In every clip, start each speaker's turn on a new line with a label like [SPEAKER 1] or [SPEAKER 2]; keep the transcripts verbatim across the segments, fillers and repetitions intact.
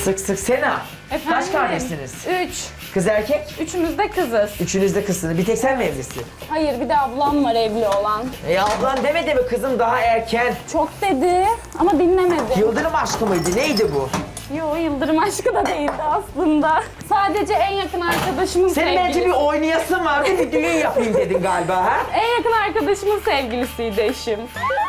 [SPEAKER 1] Sık sık Sena.
[SPEAKER 2] Efendim?
[SPEAKER 1] Kaç kardeşsiniz?
[SPEAKER 2] Üç.
[SPEAKER 1] Kız erkek?
[SPEAKER 2] Üçümüz de kızız.
[SPEAKER 1] Üçünüz de kızsınız. Bir tek sen mi evlisin?
[SPEAKER 2] Hayır, bir de ablam var evli olan.
[SPEAKER 1] E ablan demedi mi kızım daha erken?
[SPEAKER 2] Çok dedi ama dinlemedi.
[SPEAKER 1] Yıldırım aşkı mıydı? Neydi bu?
[SPEAKER 2] Yo, Yıldırım aşkı da değildi aslında. Sadece en yakın arkadaşımın
[SPEAKER 1] Senin
[SPEAKER 2] sevgilisi.
[SPEAKER 1] bence bir oynayasın vardı, bir düğün yapayım dedin galiba ha?
[SPEAKER 2] En yakın arkadaşımın sevgilisiydi eşim.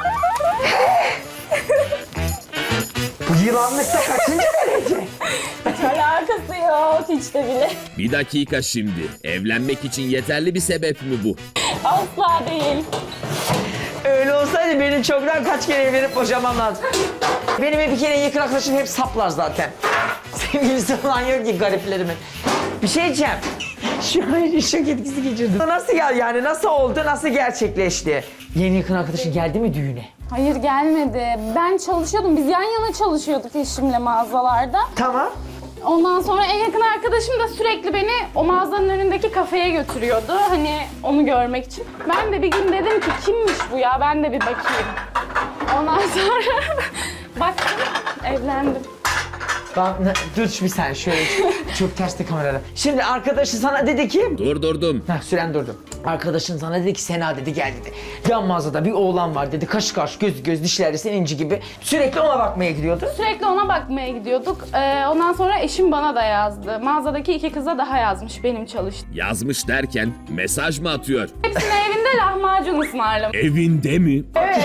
[SPEAKER 1] Bu yılanlıkta kaçıncı derece?
[SPEAKER 2] Hiç alakası yok, hiç de bile.
[SPEAKER 3] Bir dakika şimdi. Evlenmek için yeterli bir sebep mi bu?
[SPEAKER 2] Asla değil.
[SPEAKER 1] Öyle olsaydı benim çoktan kaç kere evlenip boşamam lazım. Benim bir kere yakın arkadaşım hep saplar zaten. Sevgilisi falan yok ki gariplerimin. Bir şey diyeceğim. Şu an şok etkisi geçirdim. Nasıl ya yani nasıl oldu, nasıl gerçekleşti? Yeni yakın arkadaşın geldi mi düğüne?
[SPEAKER 2] Hayır, gelmedi. Ben çalışıyordum. Biz yan yana çalışıyorduk eşimle mağazalarda.
[SPEAKER 1] Tamam.
[SPEAKER 2] Ondan sonra en yakın arkadaşım da sürekli beni o mağazanın önündeki kafeye götürüyordu. Hani onu görmek için. Ben de bir gün dedim ki kimmiş bu ya, ben de bir bakayım. Ondan sonra baktım, evlendim.
[SPEAKER 1] Bak, ne- dur bir sen şöyle çok, çok terste kamerada. Şimdi arkadaşı sana dedi ki...
[SPEAKER 3] Durdurdum.
[SPEAKER 1] Heh, süren durdu. Arkadaşın sana dedi ki Sena dedi gel dedi. Yan mağazada bir oğlan var dedi. Kaş kaş göz göz dişleri senin inci gibi. Sürekli ona bakmaya gidiyordu.
[SPEAKER 2] Sürekli ona bakmaya gidiyorduk. Ee, ondan sonra eşim bana da yazdı. Mağazadaki iki kıza daha yazmış benim çalıştığım.
[SPEAKER 3] Yazmış derken mesaj mı atıyor?
[SPEAKER 2] Hepsine evinde lahmacun ısmarlamış.
[SPEAKER 3] Evinde mi?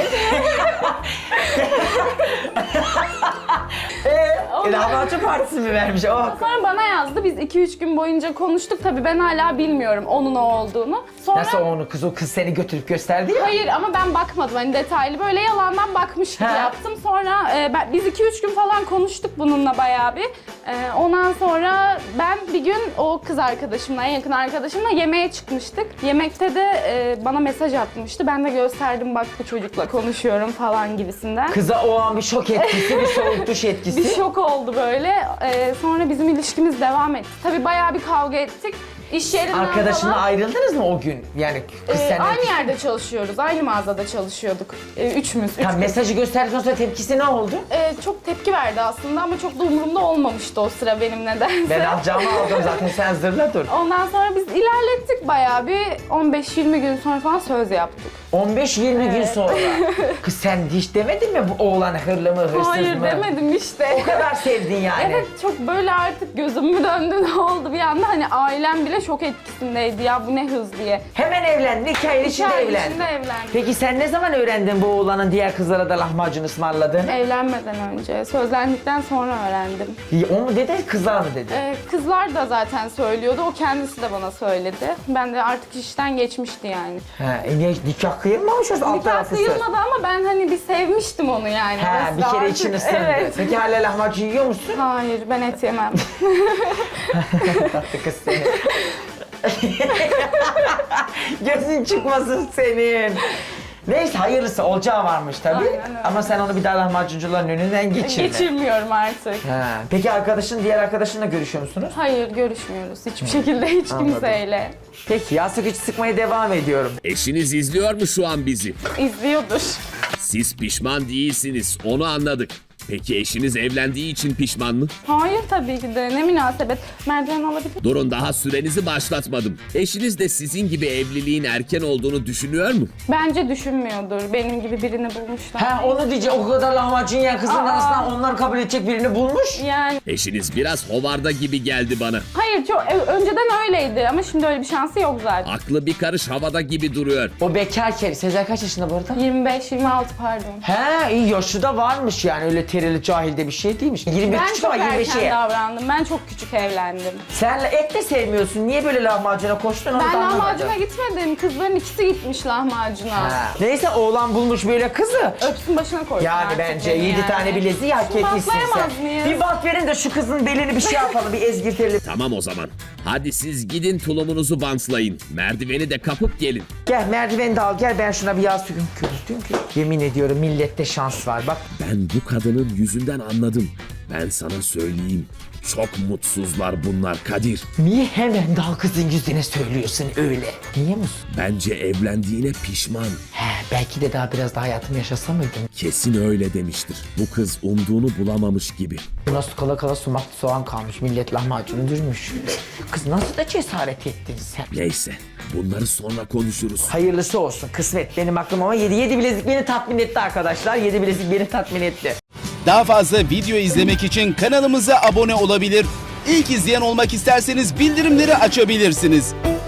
[SPEAKER 1] E, lahmacun partisi mi vermiş? Oh.
[SPEAKER 2] Sonra bana yazdı. Biz iki üç gün boyunca konuştuk. Tabii ben hala bilmiyorum onun o olduğunu. Sonra...
[SPEAKER 1] Nasıl onu kız o kız seni götürüp gösterdi ya?
[SPEAKER 2] Hayır ama ben bakmadım hani detaylı. Böyle yalandan bakmış gibi
[SPEAKER 1] He.
[SPEAKER 2] yaptım. Sonra e, ben, biz iki üç gün falan konuştuk bununla bayağı bir. E, ondan sonra ben bir gün o kız arkadaşımla, en yakın arkadaşımla yemeğe çıkmıştık. Yemekte de e, bana mesaj atmıştı. Ben de gösterdim bak bu çocukla konuşuyorum falan gibisinden.
[SPEAKER 1] Kıza o an bir şok etkisi, bir soğuk duş etkisi.
[SPEAKER 2] Bir şok oldu böyle. E, sonra bizim ilişkimiz devam etti. Tabii bayağı bir kavga ettik. İş yerinden
[SPEAKER 1] Arkadaşınla
[SPEAKER 2] falan.
[SPEAKER 1] ayrıldınız mı o gün? Yani kız
[SPEAKER 2] Ee,
[SPEAKER 1] senden...
[SPEAKER 2] aynı yerde çalışıyoruz, aynı mağazada çalışıyorduk. Ee, üçümüz, üç
[SPEAKER 1] Tam
[SPEAKER 2] kız.
[SPEAKER 1] mesajı gösterdikten sonra tepkisi ne oldu?
[SPEAKER 2] Ee, çok tepki verdi aslında ama çok da umurumda olmamıştı o sıra benim nedense.
[SPEAKER 1] Ben alacağımı aldım zaten sen zırla dur.
[SPEAKER 2] Ondan sonra biz ilerlettik bayağı bir on beş yirmi gün sonra falan söz yaptık.
[SPEAKER 1] on beş yirmi gün
[SPEAKER 2] Evet.
[SPEAKER 1] sonra. Kız sen hiç demedin mi bu oğlan hırlı mı hırsız
[SPEAKER 2] Hayır
[SPEAKER 1] mı?
[SPEAKER 2] demedim işte.
[SPEAKER 1] O kadar sevdin yani.
[SPEAKER 2] Evet çok böyle artık gözüm mü döndü ne oldu bir anda hani ailem bile şok etkisindeydi ya bu ne hız diye.
[SPEAKER 1] Hemen evlendin, iki ayın içinde
[SPEAKER 2] ay
[SPEAKER 1] evlendin.
[SPEAKER 2] içinde evlendik.
[SPEAKER 1] Peki sen ne zaman öğrendin bu oğlanın diğer kızlara da lahmacun ısmarladığını?
[SPEAKER 2] Evlenmeden önce, sözlendikten sonra öğrendim.
[SPEAKER 1] O mu dedi, kızlar mı dedi?
[SPEAKER 2] Ee, kızlar da zaten söylüyordu, o kendisi de bana söyledi. Ben de artık işten geçmişti yani.
[SPEAKER 1] Ha, e niye nikah kıyılmamış o alt
[SPEAKER 2] Nikah
[SPEAKER 1] tarafı söz.
[SPEAKER 2] kıyılmadı ama ben hani bir sevmiştim onu yani.
[SPEAKER 1] Ha,
[SPEAKER 2] Nasıl
[SPEAKER 1] bir kere
[SPEAKER 2] artık-
[SPEAKER 1] için ısındı.
[SPEAKER 2] Evet.
[SPEAKER 1] Peki hala lahmacun yiyor musun?
[SPEAKER 2] Hayır ben et yemem.
[SPEAKER 1] Tatlı kız seni. Gözün çıkmasın senin. Neyse hayırlısı olacağı varmış tabii.
[SPEAKER 2] Aynen öyle.
[SPEAKER 1] Ama sen onu bir daha lahmacuncuların önünden geçirme.
[SPEAKER 2] Geçirmiyorum artık.
[SPEAKER 1] Ha. Peki arkadaşın, diğer arkadaşınla görüşüyor musunuz?
[SPEAKER 2] Hayır görüşmüyoruz hiçbir şekilde hiç
[SPEAKER 1] Anladım.
[SPEAKER 2] kimseyle.
[SPEAKER 1] Peki yastık hiç sıkmaya devam ediyorum.
[SPEAKER 3] Eşiniz izliyor mu şu an bizi?
[SPEAKER 2] İzliyordur.
[SPEAKER 3] Siz pişman değilsiniz, onu anladık. Peki eşiniz evlendiği için pişman mı?
[SPEAKER 2] Hayır tabii ki de ne münasebet. Merdiven alabilir.
[SPEAKER 3] Durun daha sürenizi başlatmadım. Eşiniz de sizin gibi evliliğin erken olduğunu düşünüyor mu?
[SPEAKER 2] Bence düşünmüyordur. Benim gibi birini bulmuşlar.
[SPEAKER 1] Ha onu diyecek, o kadar lahmacun yiyen kızın
[SPEAKER 2] Aa.
[SPEAKER 1] arasından onlar kabul edecek birini bulmuş.
[SPEAKER 2] Yani
[SPEAKER 3] Eşiniz biraz hovarda gibi geldi bana.
[SPEAKER 2] hayır çok e, önceden öyleydi ama şimdi öyle bir şansı yok zaten.
[SPEAKER 3] Aklı bir karış havada gibi duruyor.
[SPEAKER 1] O bekarken, Sezer kaç yaşında bu arada?
[SPEAKER 2] yirmi beş yirmi altı pardon.
[SPEAKER 1] He iyi yaşı da varmış yani öyle terili cahilde bir şey değilmiş. yirmi bir
[SPEAKER 2] Ben
[SPEAKER 1] küçük
[SPEAKER 2] çok
[SPEAKER 1] ama yirmi
[SPEAKER 2] erken
[SPEAKER 1] beşe.
[SPEAKER 2] davrandım. Ben çok küçük evlendim.
[SPEAKER 1] Sen et de sevmiyorsun. Niye böyle lahmacuna koştun onu
[SPEAKER 2] Ben
[SPEAKER 1] da anlamadım.
[SPEAKER 2] lahmacuna gitmedim. Kızların ikisi gitmiş lahmacuna.
[SPEAKER 1] Ha. Neyse oğlan bulmuş böyle kızı.
[SPEAKER 2] Öpsün başına koysun
[SPEAKER 1] Yani
[SPEAKER 2] artık
[SPEAKER 1] bence
[SPEAKER 2] beni
[SPEAKER 1] yedi
[SPEAKER 2] yani.
[SPEAKER 1] tane bileziği hak
[SPEAKER 2] Şunu
[SPEAKER 1] etmişsin sen.
[SPEAKER 2] bantlayamaz mıyız?
[SPEAKER 1] Bir bant verin de şu kızın belini bir şey yapalım, bir ezgirtelim.
[SPEAKER 3] Tamam o zaman. Hadi siz gidin tulumunuzu bantlayın. Merdiveni de kapıp gelin.
[SPEAKER 1] Gel merdiveni de al, gel ben şuna bir yağ sürüm kürtüm ki. Yemin ediyorum millette şans var bak.
[SPEAKER 3] Ben bu kadının yüzünden anladım. Ben sana söyleyeyim. Çok mutsuzlar bunlar Kadir.
[SPEAKER 1] Niye hemen daha kızın yüzüne söylüyorsun öyle? Niye musun?
[SPEAKER 3] Bence evlendiğine pişman.
[SPEAKER 1] He, belki de daha biraz daha hayatımı yaşasa mıydım?
[SPEAKER 3] Kesin öyle demiştir. Bu kız umduğunu bulamamış gibi.
[SPEAKER 1] Nasıl kala kala sumaklı soğan kalmış, millet lahmacunu dürmüş. Kız nasıl da cesaret ettin sen?
[SPEAKER 3] Neyse, bunları sonra konuşuruz.
[SPEAKER 1] Hayırlısı olsun, kısmet benim aklım ama yedi, yedi bilezik beni tatmin etti arkadaşlar. Yedi bilezik beni tatmin etti.
[SPEAKER 4] Daha fazla video izlemek için kanalımıza abone olabilir. İlk izleyen olmak isterseniz bildirimleri açabilirsiniz.